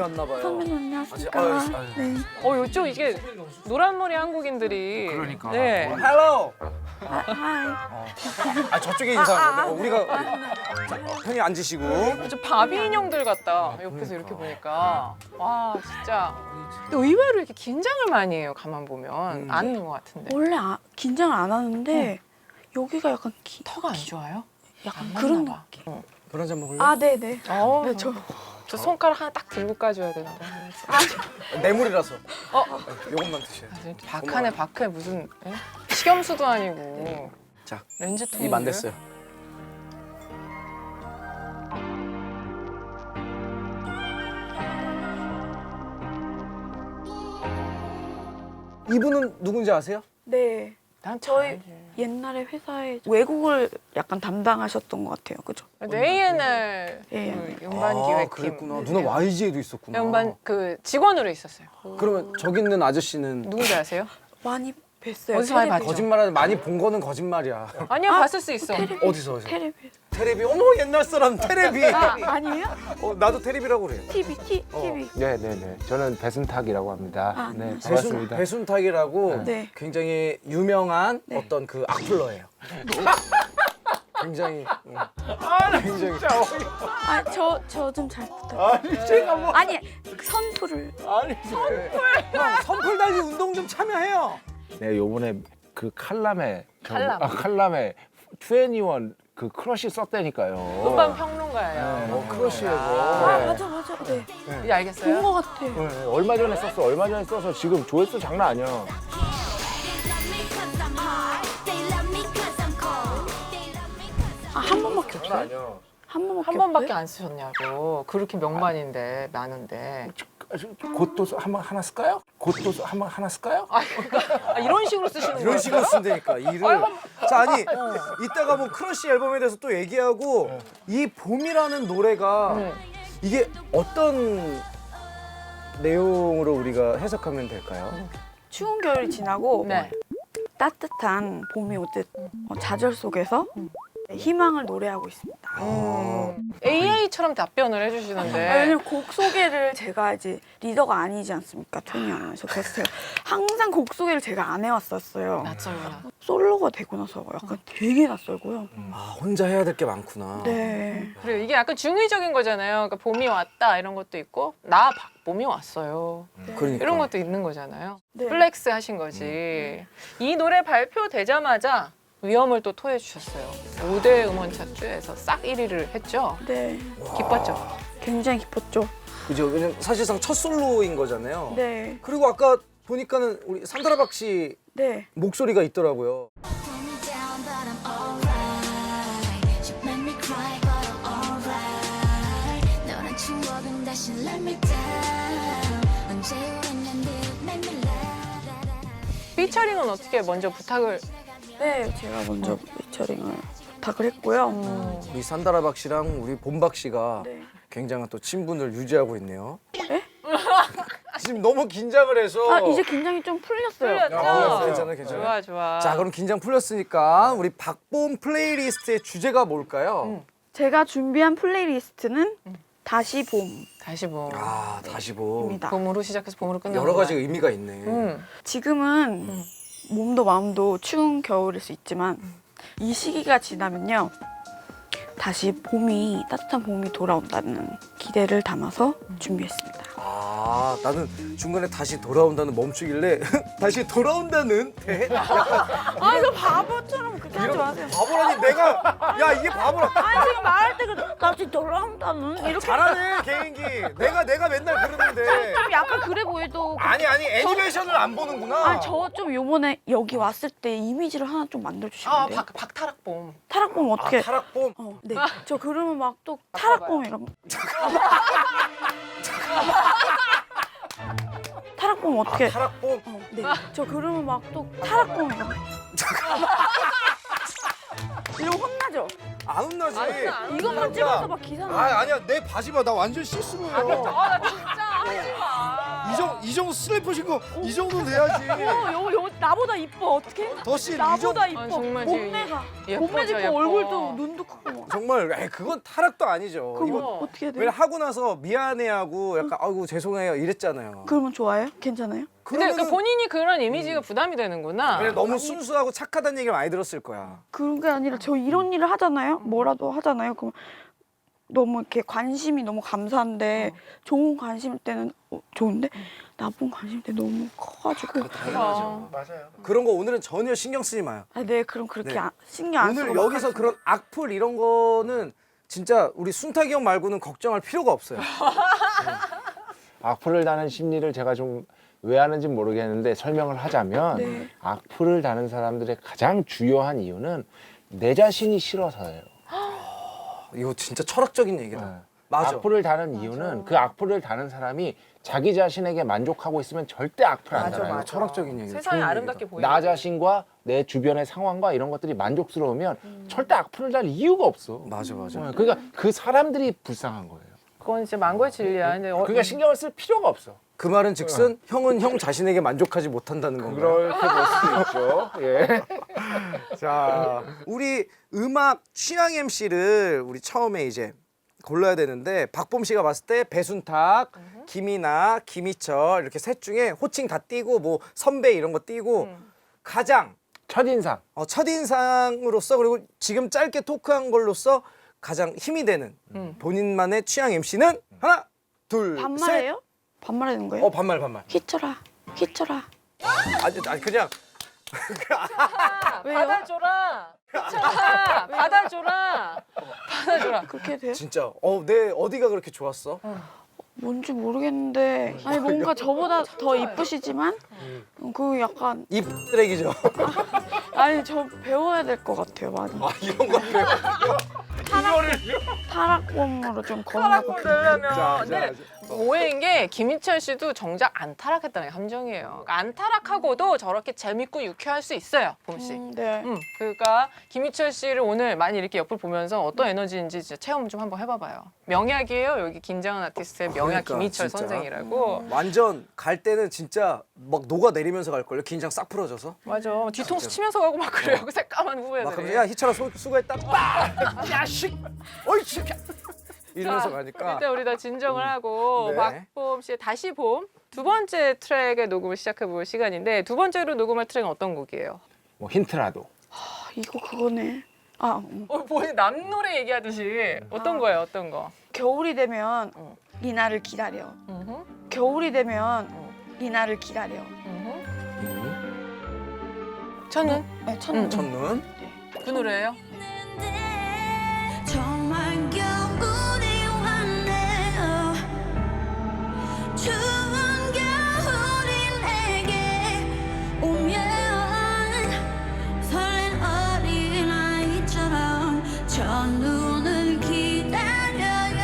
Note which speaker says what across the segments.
Speaker 1: 왔나 봐요.
Speaker 2: 선배님 안녕하십니까. 네.
Speaker 3: 요쪽 이게 노란머리 한국인들이.
Speaker 4: 그러니까.
Speaker 3: 네.
Speaker 1: 헬로.
Speaker 2: 하이.
Speaker 1: 아 저쪽에 인사하는 거. 우리가 형님 앉으시고.
Speaker 3: 좀 바비 인형들 같다. 옆에서 이렇게 보니까. 와 진짜. 근데 의외로 이렇게 긴장을 많이 해요. 가만 보면 안 하는 것 같은데.
Speaker 2: 원래 긴장을 안 하는데 여기가 약간
Speaker 3: 턱가 안 좋아요?
Speaker 2: 약간
Speaker 3: 안
Speaker 2: 그런
Speaker 3: 맞나 봐.
Speaker 2: 느낌.
Speaker 1: 물 한 잔 먹을래?
Speaker 2: 아 네네.
Speaker 3: 네,
Speaker 2: 네,
Speaker 3: 저 손가락 하나 딱 들고 까줘야 되는데.
Speaker 1: 뇌물이라서. 요것만 드셔요.
Speaker 3: 박하네 박해 무슨 에? 식염수도 아니고.
Speaker 1: 자,
Speaker 3: 렌즈 통.
Speaker 1: 입 안 됐어요. 이분은 누군지 아세요?
Speaker 2: 네.
Speaker 3: 난
Speaker 2: 저희
Speaker 3: 알지.
Speaker 2: 옛날에 회사에 외국을 약간 담당하셨던 것 같아요. 그죠?
Speaker 3: A&R
Speaker 2: 예.
Speaker 3: 그 음반 기획팀.
Speaker 1: 그랬구나. 누나 YG에도 있었구나.
Speaker 3: 음반 그 직원으로 있었어요.
Speaker 1: 그러면 저기 있는 아저씨는
Speaker 3: 누군지 아세요?
Speaker 2: 많이 뵀어요.
Speaker 3: 어디서 많이
Speaker 2: 텔레비.
Speaker 3: 봤죠?
Speaker 1: 거짓말하는 많이 본 거는 거짓말이야.
Speaker 3: 아니요, 봤을 수 있어.
Speaker 1: 어디서?
Speaker 2: 텔레비.
Speaker 1: 테레비. 어머 옛날 사람 테레비.
Speaker 2: 아니에요?
Speaker 1: 나도 테레비라고 그래요.
Speaker 2: TV. TV.
Speaker 4: 네네네. 저는 배순탁이라고 합니다.
Speaker 2: 아,
Speaker 4: 네,
Speaker 2: 안녕하세요.
Speaker 4: 반갑습니다.
Speaker 1: 배순탁이라고
Speaker 2: 네.
Speaker 1: 굉장히 유명한
Speaker 2: 네.
Speaker 1: 어떤 그 악플러예요. 굉장히 굉장히
Speaker 2: 아, 저 좀 잘 부탁드려요.
Speaker 1: 아니 제가 뭐
Speaker 2: 아니, 선풀을.
Speaker 1: 아니 형 선풀 달기 운동 좀 참여해요.
Speaker 4: 네, 요번에 그 칼럼에
Speaker 3: 칼럼.
Speaker 4: 칼럼에 21 그 크러쉬 썼다니까요.
Speaker 3: 음반 평론가예요.
Speaker 1: 크러쉬예요.
Speaker 2: 아, 맞아. 네.
Speaker 3: 이제 알겠어요?
Speaker 2: 본 것 같아.
Speaker 4: 네, 얼마 전에 썼어. 얼마 전에 써서 지금 조회수 장난 아니야.
Speaker 2: 아, 한 번밖에
Speaker 4: 장난
Speaker 2: 없어요?
Speaker 4: 아니야.
Speaker 2: 한 번밖에
Speaker 3: 한 번밖에
Speaker 2: 없어요?
Speaker 3: 안 쓰셨냐고. 그렇게 명반인데 많은데.
Speaker 4: 곧도 한번 하나 쓸까요? 곧도 한번 하나 쓸까요?
Speaker 3: 이런 식으로 쓰시는 거예요?
Speaker 1: 이런 식으로 쓴다니까 일을. 자 아니 이따가 뭐 크러쉬 앨범에 대해서 또 얘기하고 이 봄이라는 노래가 이게 어떤 내용으로 우리가 해석하면 될까요?
Speaker 2: 추운 겨울이 지나고
Speaker 3: 네.
Speaker 2: 따뜻한 봄이 오듯 좌절 속에서 희망을 노래하고 있습니다.
Speaker 3: AA처럼 답변을 해주시는데.
Speaker 2: 왜냐면 곡 소개를 제가 이제 리더가 아니지 않습니까? 토니 아나운서. 그래서 제가 항상 곡 소개를 제가 안 해왔었어요.
Speaker 3: 낯설구나.
Speaker 2: 솔로가 되고 나서 약간 되게 낯설고요.
Speaker 1: 아 혼자 해야 될 게 많구나.
Speaker 2: 네.
Speaker 3: 그리고 이게 약간 중의적인 거잖아요. 그러니까 봄이 왔다 이런 것도 있고 나 봄이 왔어요.
Speaker 1: 그러니까.
Speaker 3: 이런 것도 있는 거잖아요.
Speaker 2: 네.
Speaker 3: 플렉스 하신 거지. 이 노래 발표되자마자 위험을 또 토해 주셨어요. 5대 음원 차트에서 싹 1위를 했죠.
Speaker 2: 네.
Speaker 3: 기뻤죠.
Speaker 2: 굉장히 기뻤죠.
Speaker 1: 그죠? 왜냐면 사실상 첫 솔로인 거잖아요.
Speaker 2: 네.
Speaker 1: 그리고 아까 보니까는 우리 산드라박 씨
Speaker 2: 네.
Speaker 1: 목소리가 있더라고요.
Speaker 3: 피처링은 어떻게 먼저 부탁을?
Speaker 2: 네. 제가 먼저 피처링을 부탁을 했고요.
Speaker 1: 우리 산드라박 씨랑 우리 봄박 씨가
Speaker 2: 네.
Speaker 1: 굉장한 또 친분을 유지하고 있네요.
Speaker 2: 에?
Speaker 1: 지금 너무 긴장을 해서.
Speaker 2: 아, 이제 긴장이 좀 풀렸어요.
Speaker 3: 풀렸죠?
Speaker 1: 괜찮아, 괜찮아.
Speaker 3: 좋아.
Speaker 1: 자, 그럼 긴장 풀렸으니까 우리 박봄 플레이리스트의 주제가 뭘까요?
Speaker 2: 제가 준비한 플레이리스트는 다시
Speaker 3: 다시 봄.
Speaker 1: 아, 다시 봄.
Speaker 2: 봄입니다.
Speaker 3: 봄으로 시작해서 봄으로 끝나는
Speaker 1: 여러 가지
Speaker 3: 거야.
Speaker 1: 의미가 있네.
Speaker 2: 지금은 몸도 마음도 추운 겨울일 수 있지만 이 시기가 지나면요 다시 봄이 따뜻한 봄이 돌아온다는 기대를 담아서 준비했습니다.
Speaker 1: 아, 나는 중간에 다시 돌아온다는 멈추길래 다시 돌아온다는 대?
Speaker 2: 아 이거 바보처럼 그렇게 하지 마세요.
Speaker 1: 바보라니 내가 야 이게 바보라.
Speaker 2: 아 지금 말할 때 다시 돌아온다는 이렇게
Speaker 1: 잘하네 개인기. 내가 맨날 그러는데.
Speaker 2: 좀 약간 그래 보여도
Speaker 1: 아니 애니메이션을 안 보는구나.
Speaker 2: 저 좀 요번에 여기 왔을 때 이미지를 하나 좀 만들어주시면 안 돼요?
Speaker 3: 박타락봄.
Speaker 2: 타락봄 어떻게?
Speaker 1: 타락봄.
Speaker 2: 네. 저 그러면 막 또 타락봄 이런. 타락봄 어떻게?
Speaker 1: 타락봄.
Speaker 2: 네. 저 그러면 막 또 타락봄 이런. 이런 혼나죠?
Speaker 1: 안 혼나지.
Speaker 2: 이것만 찍어서 막 기사 나.
Speaker 1: 아니야 내 바지 봐 나 완전 시스루예요.
Speaker 3: 나 진짜 하지 마.
Speaker 1: 이 정도 슬리퍼 신고 이 정도는 돼야지.
Speaker 2: 요 나보다 이뻐 어떻게?
Speaker 1: 더씨
Speaker 2: 나보다 이뻐.
Speaker 3: 아, 정말
Speaker 2: 몸매가
Speaker 3: 예뻐져,
Speaker 2: 몸매 짚고
Speaker 3: 예뻐.
Speaker 2: 얼굴도 눈도 크고 막.
Speaker 1: 정말 그건 타락도 아니죠.
Speaker 2: 그럼
Speaker 1: 이건
Speaker 2: 어떻게 해야
Speaker 1: 왜
Speaker 2: 돼요?
Speaker 1: 하고 나서 미안해하고 약간 아이고 죄송해요 이랬잖아요.
Speaker 2: 그러면 좋아요? 괜찮아요?
Speaker 3: 근데
Speaker 1: 그러면은
Speaker 3: 그 본인이 그런 이미지가 부담이 되는구나.
Speaker 1: 그냥 너무 순수하고 착하다는 얘기를 많이 들었을 거야.
Speaker 2: 그런 게 아니라 저 이런 일을 하잖아요. 뭐라도 하잖아요. 그럼 너무 이렇게 관심이 너무 감사한데 좋은 관심일 때는 좋은데 나쁜 관심일 때 너무 커가지고
Speaker 3: 어.
Speaker 4: 맞아요.
Speaker 1: 그런 거 오늘은 전혀 신경 쓰지 마요.
Speaker 2: 아, 네 그럼 그렇게
Speaker 1: 네.
Speaker 2: 신경 안 쓰고
Speaker 1: 오늘
Speaker 2: 막
Speaker 1: 여기서
Speaker 2: 하겠습니다.
Speaker 1: 그런 악플 이런 거는 진짜 우리 순탁이 형 말고는 걱정할 필요가 없어요.
Speaker 4: 악플을 다는 심리를 제가 좀 왜 하는지 모르겠는데 설명을 하자면
Speaker 2: 네.
Speaker 4: 악플을 다는 사람들의 가장 주요한 이유는 내 자신이 싫어서예요.
Speaker 1: 이거 진짜 철학적인 얘기다.
Speaker 4: 네.
Speaker 1: 맞아.
Speaker 4: 악플을 다는 이유는 그 악플을 다는 사람이 자기 자신에게 만족하고 있으면 절대 악플 안
Speaker 3: 맞아,
Speaker 4: 달아요.
Speaker 3: 맞아.
Speaker 1: 철학적인 얘기다.
Speaker 3: 세상이
Speaker 1: 좋은
Speaker 3: 아름답게
Speaker 1: 얘기다.
Speaker 3: 보이는
Speaker 4: 나 자신과 내 주변의 상황과 이런 것들이 만족스러우면 절대 악플을 달 이유가 없어.
Speaker 1: 맞아 맞아.
Speaker 4: 그러니까 그 사람들이 불쌍한 거예요.
Speaker 3: 그건 진짜 망고의 진리야. 근데
Speaker 4: 그러니까 신경을 쓸 필요가 없어.
Speaker 1: 그 말은 즉슨 형은 형 자신에게 만족하지 못한다는 건가요?
Speaker 4: 그렇게 볼 수도 있죠. 예.
Speaker 1: 자, 우리 음악 취향 MC를 우리 처음에 이제 골라야 되는데 박범 씨가 봤을 때 배순탁, 김이나, 김희철 이렇게 셋 중에 호칭 다 띄고 뭐 선배 이런 거 띄고 가장
Speaker 4: 첫인상.
Speaker 1: 첫인상으로서 그리고 지금 짧게 토크한 걸로서 가장 힘이 되는 본인만의 취향 MC는 하나, 둘, 셋.
Speaker 2: 반말해요? 반말하는 거예요?
Speaker 1: 반말 반말.
Speaker 2: 휘쳐라 휘쳐라
Speaker 1: 아니 그냥
Speaker 2: 왜요?
Speaker 3: 받아줘라. 미쳤다. 받아줘라. 받아줘라.
Speaker 2: 그렇게 돼요?
Speaker 1: 진짜 내 어디가 그렇게 좋았어?
Speaker 2: 뭔지 모르겠는데 아니 뭔가 저보다 더 이쁘시지만 그 약간
Speaker 1: 입 쓰레기죠.
Speaker 2: 아니 저 배워야 될 것 같아요 많이
Speaker 1: 이런 거 배워.
Speaker 2: 타락범으로 좀 건너고
Speaker 3: 되려면 근데 오해인 게 김희철 씨도 정작 안 타락했다는 게 함정이에요. 그러니까 안 타락하고도 저렇게 재밌고 유쾌할 수 있어요, 봄 씨.
Speaker 2: 네.
Speaker 3: 그러니까 김희철 씨를 오늘 많이 이렇게 옆을 보면서 어떤 에너지인지 진짜 체험 좀 한번 해봐봐요. 명약이에요, 여기 긴장한 아티스트의 명약
Speaker 1: 그러니까,
Speaker 3: 김희철
Speaker 1: 진짜.
Speaker 3: 선생이라고.
Speaker 1: 완전 갈 때는 진짜 막 녹아 내리면서 갈 걸요. 긴장 싹 풀어져서.
Speaker 3: 맞아, 뒤통수 치면서 가고 막 그래요, 그 새까만
Speaker 1: 막
Speaker 3: 후배들이.
Speaker 1: 하면서 야 희철아 수고했다. 빡! 야식. 어이 새끼. 이러면서 가니까.
Speaker 3: 일단 우리 다 진정을 하고
Speaker 1: 네.
Speaker 3: 박봄 씨의 다시 봄 두 번째 트랙의 녹음을 시작해볼 시간인데 두 번째로 녹음할 트랙은 어떤 곡이에요?
Speaker 4: 뭐 힌트라도.
Speaker 2: 아, 이거 그거네 아
Speaker 3: 뭐 남 노래 얘기하듯이 어떤 거예요? 어떤 거?
Speaker 2: 겨울이 되면 이 날을 기다려 겨울이 되면 이 날을 기다려
Speaker 3: 저는
Speaker 2: 네, 첫눈
Speaker 1: 첫눈.
Speaker 3: 그 노래예요?
Speaker 5: 정말 겨울이 왔네요 추운 겨울이 내게 오면 설렌 어린아이처럼 첫눈을 기다려요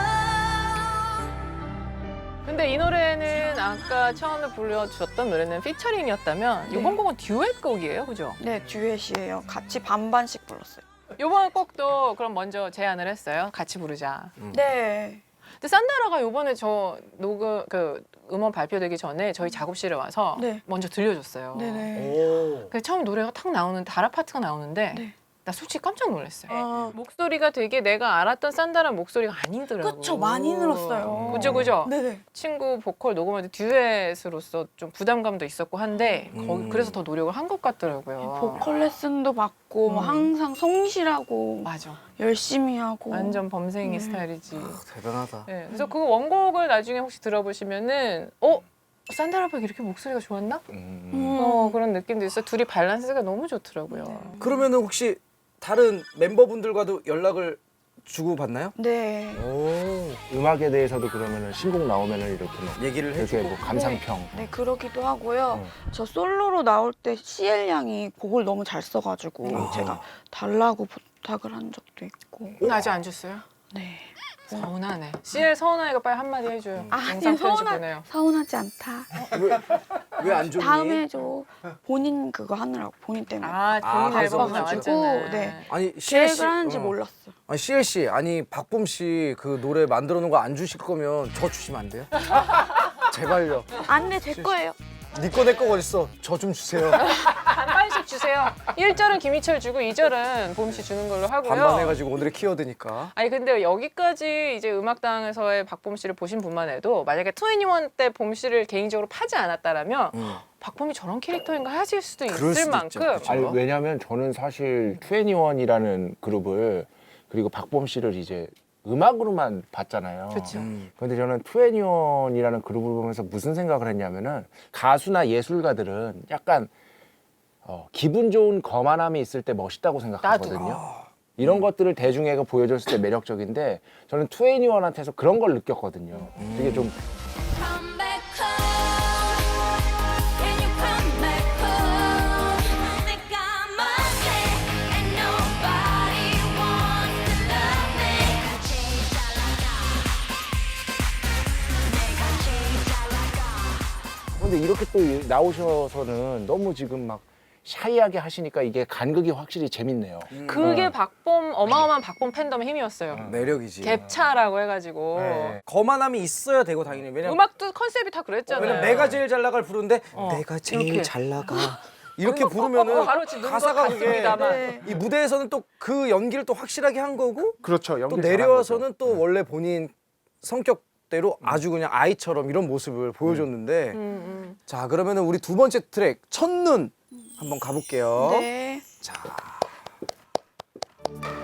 Speaker 3: 근데 이 노래는 아까 처음에 불러주셨던 노래는 피처링이었다면 이번 곡은 듀엣 곡이에요, 그죠?
Speaker 2: 네 듀엣이에요 같이 반반씩 불렀어요
Speaker 3: 이번 곡도 그럼 먼저 제안을 했어요. 같이 부르자.
Speaker 2: 네
Speaker 3: 근데 산다라가 이번에 저 녹음 음원 발표되기 전에 저희 작업실에 와서
Speaker 2: 네.
Speaker 3: 먼저 들려줬어요.
Speaker 2: 네네
Speaker 1: 오.
Speaker 3: 그래서 처음 노래가 탁 나오는데 다라 파트가 나오는데
Speaker 2: 네.
Speaker 3: 나 솔직히 깜짝 놀랐어요.
Speaker 2: 아,
Speaker 3: 목소리가 되게 내가 알았던 산다라 목소리가 아니더라고요.
Speaker 2: 그쵸 많이 늘었어요
Speaker 3: 그죠 그죠.
Speaker 2: 네네
Speaker 3: 친구 보컬 녹음할 때 듀엣으로서 좀 부담감도 있었고 한데 거기 그래서 더 노력을 한 것 같더라고요.
Speaker 2: 보컬 레슨도 받고 뭐 항상 성실하고
Speaker 3: 맞아.
Speaker 2: 열심히 하고
Speaker 3: 완전 범생이 스타일이지.
Speaker 1: 대단하다.
Speaker 3: 네, 그래서 그 원곡을 나중에 혹시 들어보시면은 산다라박 이렇게 목소리가 좋았나? 그런 느낌도 있어. 둘이 밸런스가 너무 좋더라고요.
Speaker 1: 그러면은 혹시 다른 멤버분들과도 연락을 주고 받나요?
Speaker 2: 네.
Speaker 1: 오.
Speaker 4: 음악에 대해서도 그러면은 신곡 나오면은 이렇게 뭐
Speaker 1: 얘기를
Speaker 4: 이렇게
Speaker 1: 해주고.
Speaker 4: 뭐 감상평.
Speaker 2: 네 그러기도 하고요. 저 솔로로 나올 때 CL 양이 곡을 너무 잘 써가지고 제가 달라고 부탁을 한 적도 있고.
Speaker 3: 아직 안 줬어요?
Speaker 2: 네.
Speaker 3: 서운하네. CL 서운하니까 빨리 한마디 해줘요. 영상 편지 보내요.
Speaker 2: 서운하지 않다.
Speaker 1: 왜 안 좋니?
Speaker 2: 다음에 해줘. 본인 그거 하느라고 본인 때문에
Speaker 3: 본인
Speaker 1: 그래서
Speaker 3: 앨범
Speaker 2: 가지고,
Speaker 3: 나왔잖아요.
Speaker 2: 네.
Speaker 1: 아니 CL 씨.
Speaker 2: 계획을 하는지 몰랐어.
Speaker 1: 아니 CL 씨, 아니 박봄 씨 그 노래 만들어 놓은 거 안 주실 거면 저 주시면 안 돼요? 제발요.
Speaker 2: 안돼 제 거예요.
Speaker 1: 니꺼 내꺼 어딨어? 저 좀 주세요.
Speaker 3: 반반씩 주세요. 1절은 김희철 주고 2절은 봄 씨 주는 걸로 하고요.
Speaker 1: 반반해가지고 오늘의 키워드니까.
Speaker 3: 아니 근데 여기까지 이제 음악당에서의 박봄 씨를 보신 분만 해도 만약에 2NE1 때 봄 씨를 개인적으로 파지 않았다라면 박봄이 저런 캐릭터인가 하실 수도
Speaker 1: 그럴
Speaker 3: 있을
Speaker 1: 수도
Speaker 3: 만큼
Speaker 1: 있죠. 그쵸.
Speaker 4: 아니 왜냐면 저는 사실 2NE1이라는 그룹을 그리고 박봄 씨를 이제 음악으로만 봤잖아요.
Speaker 3: 그렇죠.
Speaker 4: 근데 저는 2NE1이라는 그룹을 보면서 무슨 생각을 했냐면은 가수나 예술가들은 약간 기분 좋은 거만함이 있을 때 멋있다고 생각하거든요. 이런 것들을 대중에게 보여줬을 때 매력적인데 저는 2NE1한테서 그런 걸 느꼈거든요. 되게 좀
Speaker 5: Come back home. Can you come back home? 내가 뭔데 and nobody wants to love me. 내가 제일 잘 나가. 내가 제일 잘 나가.
Speaker 4: 근데 이렇게 또 나오셔서는 너무 지금 막 샤이하게 하시니까 이게 간극이 확실히 재밌네요.
Speaker 3: 그게 박봄 어마어마한 박봄 팬덤의 힘이었어요.
Speaker 1: 매력이지.
Speaker 3: 갭차라고 해가지고
Speaker 1: 네. 거만함이 있어야 되고 당연히. 왜냐면
Speaker 3: 음악도 컨셉이 다 그랬잖아요.
Speaker 1: 왜냐면 내가 제일 잘 나갈 부르는데 내가 제일
Speaker 3: 이렇게.
Speaker 1: 잘 나가. 이렇게 부르면은
Speaker 3: 바로 지금 눈과
Speaker 1: 가사가 그게
Speaker 3: 같습니다만.
Speaker 1: 이 무대에서는 또 그 연기를 또 확실하게 한 거고
Speaker 4: 그렇죠.
Speaker 1: 또
Speaker 4: 연기
Speaker 1: 내려와서는 또 원래 본인 성격대로 아주 그냥 아이처럼 이런 모습을 보여줬는데 자 그러면은 우리 두 번째 트랙 첫눈 한번 가볼게요.
Speaker 2: 네.
Speaker 1: 자